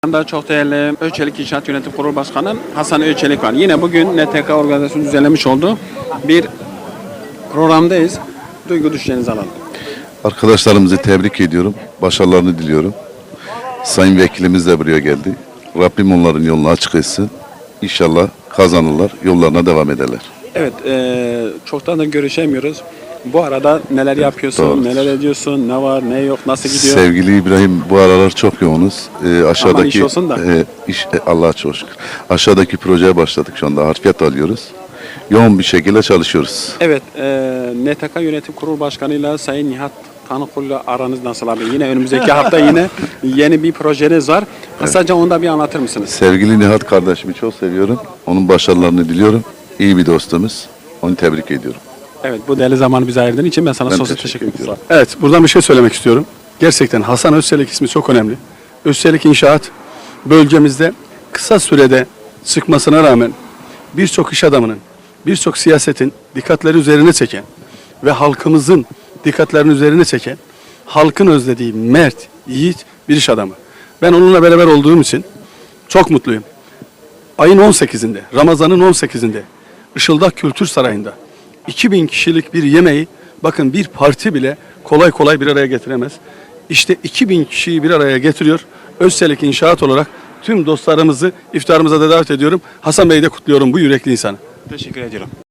Yanında çok değerli Öçelik İnşaat Yönetim Kurulu Başkanı Hasan Öçelik var. Yine bugün NTK organizasyonu düzenlemiş olduğu bir programdayız. Duygu düşüncenizi alalım. Arkadaşlarımızı tebrik ediyorum. Başarılarını diliyorum. Sayın Vekilimiz de buraya geldi. Rabbim onların yolunu açık etsin. İnşallah kazanırlar, yollarına devam ederler. Evet, çoktan da görüşemiyoruz. Bu arada neler yapıyorsun, Doğru. neler ediyorsun, ne var, ne yok, nasıl gidiyor? Sevgili İbrahim, bu aralar çok yoğunuz. Aşağıdaki iş olsun da. Allah'a çok şükür. Aşağıdaki projeye başladık şu anda. Harfiyat alıyoruz. Yoğun bir şekilde çalışıyoruz. Evet, NTK Yönetim Kurulu Başkanı'yla Sayın Nihat Tanıkulu'yla aranız nasıl abi? Yine önümüzdeki hafta yine yeni bir projeniz var. Kısaca onu da bir anlatır mısınız? Sevgili Nihat kardeşimi çok seviyorum. Onun başarılarını diliyorum. İyi bir dostumuz. Onu tebrik ediyorum. Evet, bu değerli zamanı bize ayırdığın için ben sana Ben sonsuz teşekkür teşekkür ediyorum. Evet, buradan bir şey söylemek istiyorum. Gerçekten Hasan Özçelik ismi çok önemli. Özçelik İnşaat bölgemizde kısa sürede çıkmasına rağmen birçok iş adamının, birçok siyasetin dikkatleri üzerine çeken ve halkımızın dikkatlerini üzerine çeken, halkın özlediği mert, yiğit bir iş adamı. Ben onunla beraber olduğum için çok mutluyum. Ayın 18'inde, Ramazan'ın 18'inde Işıldak Kültür Sarayı'nda 2000 kişilik bir yemeği, bakın bir parti bile kolay kolay bir araya getiremez. İşte 2000 kişiyi bir araya getiriyor. Özçelik İnşaat olarak tüm dostlarımızı iftarımıza da davet ediyorum. Hasan Bey'i de kutluyorum, bu yürekli insanı. Teşekkür ediyorum.